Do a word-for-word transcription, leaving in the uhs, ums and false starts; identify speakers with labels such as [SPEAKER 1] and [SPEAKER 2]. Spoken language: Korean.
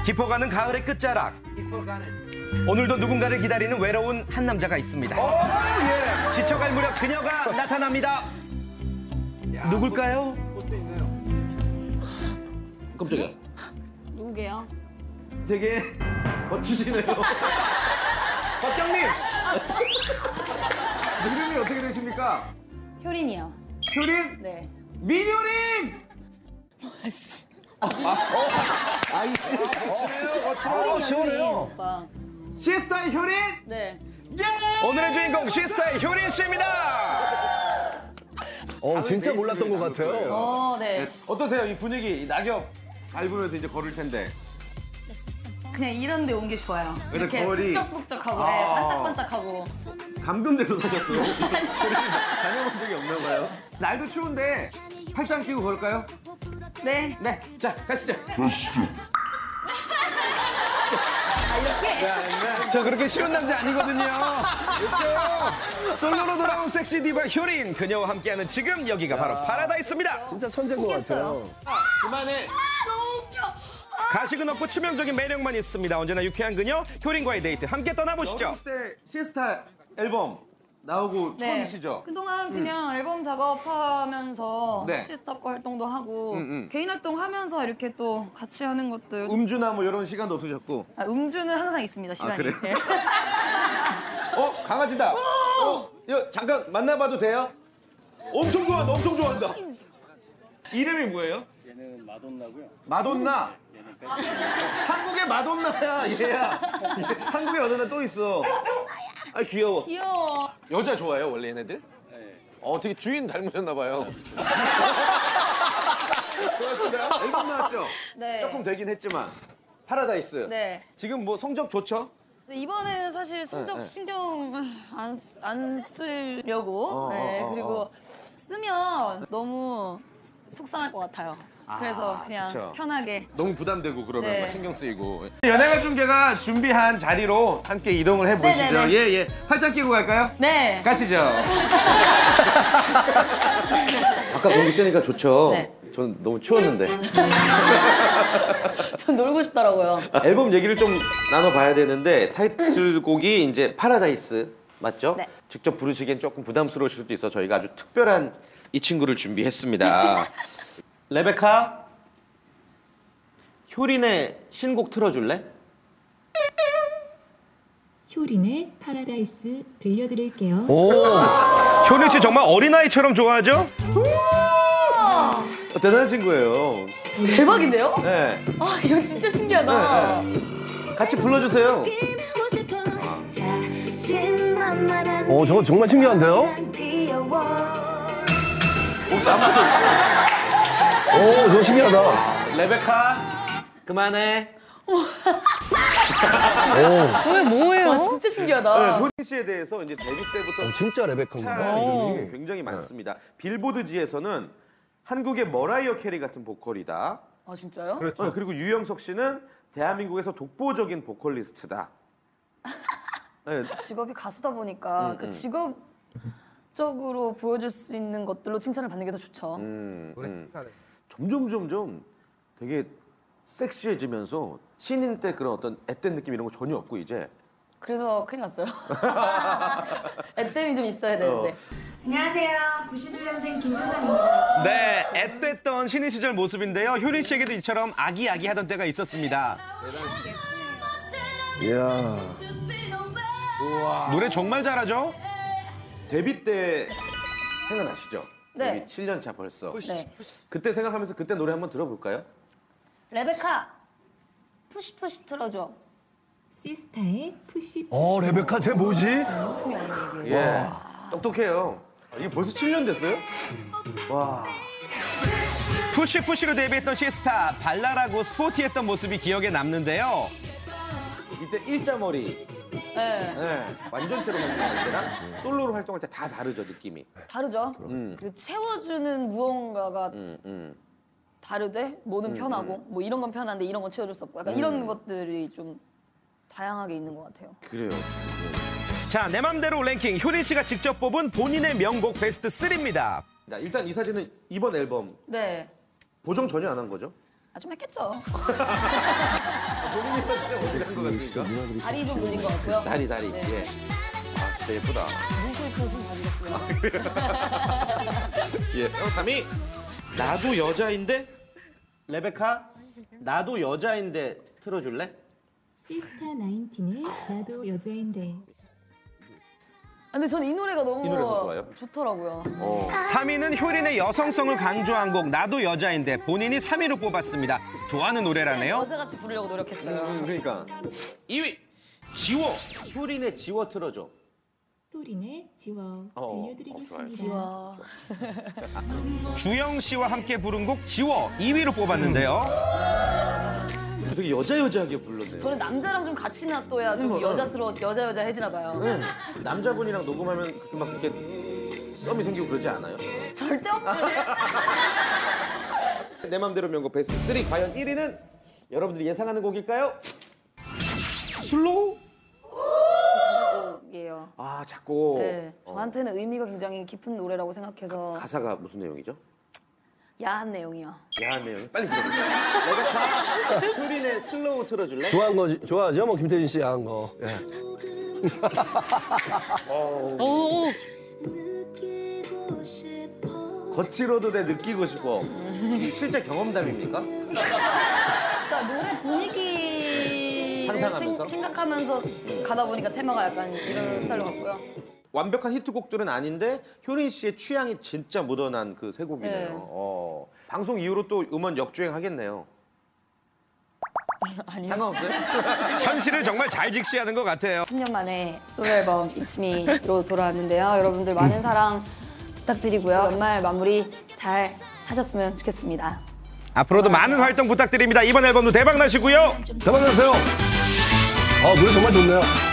[SPEAKER 1] 깊어가는 가을의 끝자락.
[SPEAKER 2] 깊어가는.
[SPEAKER 1] 오늘도 누군가를 기다리는 외로운 한 남자가 있습니다.
[SPEAKER 2] 오, 예.
[SPEAKER 1] 지쳐갈 무렵 그녀가 나타납니다.
[SPEAKER 2] 야,
[SPEAKER 1] 누굴까요?
[SPEAKER 2] 포스트 있네요.
[SPEAKER 1] 깜짝이야.
[SPEAKER 3] 누구게요?
[SPEAKER 1] 되게 거치시네요.
[SPEAKER 2] 박경님! 이름이 어떻게 되십니까?
[SPEAKER 3] 효린이요.
[SPEAKER 2] 효린?
[SPEAKER 3] 네.
[SPEAKER 2] 민효린!
[SPEAKER 3] 아이씨.
[SPEAKER 2] 아이씨. 거치네요, 거치네요.
[SPEAKER 3] 효린 오빠.
[SPEAKER 2] 시스타의 효린?
[SPEAKER 3] 네.
[SPEAKER 2] 예!
[SPEAKER 1] 오늘의 주인공 시스타의 효린 씨입니다.
[SPEAKER 4] 어, 진짜 몰랐던 것 같아요.
[SPEAKER 3] 어, 네.
[SPEAKER 2] 어떠세요? 이 분위기, 이 낙엽 밟으면서 이제 걸을 텐데.
[SPEAKER 3] 그냥 이런 데 온 게 좋아요.
[SPEAKER 2] 근데
[SPEAKER 3] 이렇게
[SPEAKER 2] 거울이-
[SPEAKER 3] 북적북적하고
[SPEAKER 2] 아.
[SPEAKER 3] 네, 반짝반짝하고.
[SPEAKER 2] 감금돼서 사셨어요. 효린 다녀본 적이 없나 봐요. 날도 추운데 팔짱 끼고 걸을까요?
[SPEAKER 3] 네.
[SPEAKER 2] 네. 자, 가시죠.
[SPEAKER 3] 아, 이렇게?
[SPEAKER 1] 저 그렇게 쉬운 남자 아니거든요.
[SPEAKER 2] 그렇죠?
[SPEAKER 1] 솔로로 돌아온 섹시 디바 효린. 그녀와 함께하는 지금 여기가 바로 파라다이스입니다.
[SPEAKER 4] 진짜 천재인 것 같아요.
[SPEAKER 2] 그만해.
[SPEAKER 3] 너무 웃겨.
[SPEAKER 1] 가식은 없고 치명적인 매력만 있습니다. 언제나 유쾌한 그녀 효린과의 데이트 함께 떠나보시죠.
[SPEAKER 2] 그때 시스타 앨범 나오고
[SPEAKER 3] 네.
[SPEAKER 2] 처음이시죠?
[SPEAKER 3] 그동안 그냥 앨범 작업하면서
[SPEAKER 2] 네.
[SPEAKER 3] 시스타 거 활동도 하고
[SPEAKER 2] 음, 음.
[SPEAKER 3] 개인 활동하면서 이렇게 또 같이 하는 것들.
[SPEAKER 2] 음주나 뭐 이런 시간도 없으셨고.
[SPEAKER 3] 아, 음주는 항상 있습니다, 시간이.
[SPEAKER 2] 그래요?
[SPEAKER 3] 네.
[SPEAKER 2] 어, 강아지다. 어, 이거 잠깐 만나봐도 돼요? 엄청 좋아한다, 엄청 좋아한다. 이름이 뭐예요?
[SPEAKER 5] 얘는 마돈나고요.
[SPEAKER 2] 마돈나. 한국의 마돈나야, 얘야. 얘, 한국에 마돈나 또 있어. 아, 귀여워.
[SPEAKER 3] 귀여워.
[SPEAKER 2] 여자 좋아해요, 원래 얘네들?
[SPEAKER 5] 네.
[SPEAKER 2] 어, 되게 주인 닮으셨나 봐요. 고맙습니다. 앨범 나왔죠?
[SPEAKER 3] 네.
[SPEAKER 2] 조금 되긴 했지만. 파라다이스.
[SPEAKER 3] 네.
[SPEAKER 2] 지금 뭐 성적 좋죠?
[SPEAKER 3] 근데 이번에는 사실 성적
[SPEAKER 2] 네, 네.
[SPEAKER 3] 신경 안, 안 쓰려고.
[SPEAKER 2] 어,
[SPEAKER 3] 네.
[SPEAKER 2] 어, 어,
[SPEAKER 3] 그리고
[SPEAKER 2] 어.
[SPEAKER 3] 쓰면 너무 속상할 것 같아요. 그래서 그냥
[SPEAKER 2] 그쵸.
[SPEAKER 3] 편하게.
[SPEAKER 2] 너무 부담되고 그러면
[SPEAKER 3] 네.
[SPEAKER 2] 막 신경 쓰이고. 연예가 중계가 준비한 자리로 함께 이동을 해보시죠.
[SPEAKER 3] 네네네.
[SPEAKER 2] 예, 예. 팔짱 끼고 갈까요?
[SPEAKER 3] 네.
[SPEAKER 2] 가시죠. 아까 공기 쓰니까 좋죠.
[SPEAKER 3] 네.
[SPEAKER 2] 전 너무 추웠는데.
[SPEAKER 3] 전 놀고 싶더라고요.
[SPEAKER 2] 앨범 얘기를 좀 나눠봐야 되는데 타이틀곡이 이제 파라다이스 맞죠?
[SPEAKER 3] 네.
[SPEAKER 2] 직접 부르시기엔 조금 부담스러우실 수도 있어 저희가 아주 특별한 이 친구를 준비했습니다. 레베카, 효린의 신곡 틀어줄래?
[SPEAKER 6] 효린의 파라다이스 들려드릴게요.
[SPEAKER 1] 오, 효린 씨 정말 어린아이처럼 좋아하죠?
[SPEAKER 2] 어, 대단한 친구예요.
[SPEAKER 3] 대박인데요?
[SPEAKER 2] 네.
[SPEAKER 3] 아, 이거 진짜 신기하다.
[SPEAKER 2] 같이 불러주세요.
[SPEAKER 4] 어, 저거 정말 신기한데요?
[SPEAKER 2] 혹시 아무도 없어요?
[SPEAKER 4] 오, 저거 신기하다.
[SPEAKER 2] 레베카, 그만해.
[SPEAKER 3] 저게 뭐예요? 와, 진짜 신기하다.
[SPEAKER 2] 네, 효린 씨에 대해서 이제 데뷔 때부터
[SPEAKER 4] 어, 진짜 레베카인가 봐.
[SPEAKER 2] 촬영이 굉장히 많습니다. 빌보드지에서는 한국의 머라이어 캐리 같은 보컬이다.
[SPEAKER 3] 아, 진짜요?
[SPEAKER 2] 어, 그리고 유영석 씨는 대한민국에서 독보적인 보컬리스트다. 네.
[SPEAKER 3] 직업이 가수다 보니까
[SPEAKER 2] 음,
[SPEAKER 3] 그
[SPEAKER 2] 음.
[SPEAKER 3] 직업적으로 보여줄 수 있는 것들로 칭찬을 받는 게 더 좋죠.
[SPEAKER 2] 음, 음. 점점 점점 되게 섹시해지면서 신인 때 그런 어떤 앳된 느낌 이런 거 전혀 없고 이제.
[SPEAKER 3] 그래서 큰일 났어요. 애땜이 좀 있어야 되는데.
[SPEAKER 7] 안녕하세요. 구십일 년생 김효정입니다.
[SPEAKER 1] 네, 앳됐던 신인 시절 모습인데요. 효린 씨에게도 이처럼 아기아기하던 때가 있었습니다.
[SPEAKER 4] 이야.
[SPEAKER 1] 노래 정말 잘하죠?
[SPEAKER 2] 데뷔 때 생각나시죠?
[SPEAKER 3] 네.
[SPEAKER 2] 데뷔 칠 년 차 벌써.
[SPEAKER 3] 네.
[SPEAKER 2] 그때 생각하면서 그때 노래 한번 들어볼까요?
[SPEAKER 3] 레베카, 푸시푸시 틀어줘.
[SPEAKER 6] 시스타의 푸시.
[SPEAKER 4] 어, 레베카 쟤 뭐지?
[SPEAKER 2] 예. 똑똑해요. 아, 이게 벌써 칠 년 됐어요? 와.
[SPEAKER 1] 푸시푸시로 데뷔했던 시스타. 발랄하고 스포티했던 모습이 기억에 남는데요.
[SPEAKER 2] 이때 일자머리.
[SPEAKER 3] 네.
[SPEAKER 2] 네. 완전체로 활동할 때랑 솔로로 활동할 때 다 다르죠, 느낌이.
[SPEAKER 3] 다르죠?
[SPEAKER 2] 음.
[SPEAKER 3] 그 채워주는 무언가가
[SPEAKER 2] 음, 음.
[SPEAKER 3] 다르대? 뭐는
[SPEAKER 2] 음,
[SPEAKER 3] 편하고, 뭐 이런 건 편한데 이런 건 채워줄 수 없고, 약간
[SPEAKER 2] 음.
[SPEAKER 3] 이런 것들이 좀 다양하게 있는 것 같아요.
[SPEAKER 2] 그래요.
[SPEAKER 1] 자, 내 맘대로 랭킹. 효린 씨가 직접 뽑은 본인의 명곡 베스트 삼입니다.
[SPEAKER 2] 자, 일단 이 사진은 이번 앨범
[SPEAKER 3] 네.
[SPEAKER 2] 보정 전혀 안 한 거죠?
[SPEAKER 3] 아, 좀 했겠죠.
[SPEAKER 2] 않습니까?
[SPEAKER 3] 다리 좀 늘린 것 같고요.
[SPEAKER 2] 다리 다리.
[SPEAKER 3] 네.
[SPEAKER 2] 예. 아 진짜 예쁘다.
[SPEAKER 3] 눈코입 좀 가지겠고요.
[SPEAKER 2] 예. 어, 삼 위. 나도 여자인데 레베카 나도 여자인데 틀어줄래?
[SPEAKER 6] 시스타 나인틴의 나도 여자인데.
[SPEAKER 3] 아, 근데 저는 이 노래가 너무
[SPEAKER 2] 이 노래 너무 좋아요?
[SPEAKER 3] 좋더라고요.
[SPEAKER 2] 어.
[SPEAKER 1] 삼 위는 효린의 여성성을 강조한 곡 나도 여자인데 본인이 삼 위로 뽑았습니다. 좋아하는 노래라네요.
[SPEAKER 3] 여자같이 부르려고 노력했어요.
[SPEAKER 2] 음, 그러니까 이 위 지워 효린의 지워 틀어줘.
[SPEAKER 6] 효린의 지워
[SPEAKER 2] 어,
[SPEAKER 6] 들려드리겠습니다.
[SPEAKER 3] 와.
[SPEAKER 1] 주영 씨와 함께 부른 곡 지워 이 위로 뽑았는데요.
[SPEAKER 2] 되게 여자 여자하게 불렀네요.
[SPEAKER 3] 저는 남자랑 좀 같이 놔둬야 좀
[SPEAKER 2] 음,
[SPEAKER 3] 여자스러워 여자 여자 해지나 봐요.
[SPEAKER 2] 네. 남자분이랑 녹음하면 그렇게 막 그렇게 썸이 생기고 그러지 않아요?
[SPEAKER 3] 절대 없지.
[SPEAKER 2] 내 맘대로 명곡 베스트 삼 과연 일 위는 여러분들이 예상하는 곡일까요? 슬로우?
[SPEAKER 3] 이에요.
[SPEAKER 2] 아 작곡.
[SPEAKER 3] 네,
[SPEAKER 2] 어,
[SPEAKER 3] 저한테는 의미가 굉장히 깊은 노래라고 생각해서
[SPEAKER 2] 가사가 무슨 내용이죠?
[SPEAKER 3] 야한 내용이요.
[SPEAKER 2] 야한 내용이 빨리 들어볼게요. 레베카 효린의 슬로우 틀어줄래?
[SPEAKER 4] 좋아한 거 좋아하죠? 뭐 김태진 씨 한 거. 예.
[SPEAKER 2] 거칠어도 돼 느끼고 싶어. 이게 실제 경험담입니까?
[SPEAKER 3] 그러니까 노래 분위기를
[SPEAKER 2] 상상하면서?
[SPEAKER 3] 생, 생각하면서 가다 보니까 테마가 약간 이런 스타일로 갔고요.
[SPEAKER 2] 완벽한 히트곡들은 아닌데 효린 씨의 취향이 진짜 묻어난 그 세 곡이네요.
[SPEAKER 3] 네.
[SPEAKER 2] 어, 방송 이후로 또 음원 역주행하겠네요.
[SPEAKER 3] 아니요.
[SPEAKER 2] 상관없어요?
[SPEAKER 1] 현실을 정말 잘 직시하는 것 같아요.
[SPEAKER 3] 삼 년 만에 솔로 앨범 It's Me로 돌아왔는데요. 여러분들 많은 사랑 부탁드리고요. 연말 마무리 잘 하셨으면 좋겠습니다.
[SPEAKER 1] 앞으로도 많은 활동 부탁드립니다. 이번 앨범도 대박 나시고요.
[SPEAKER 4] 대박 나세요. 아, 노래 정말 좋네요.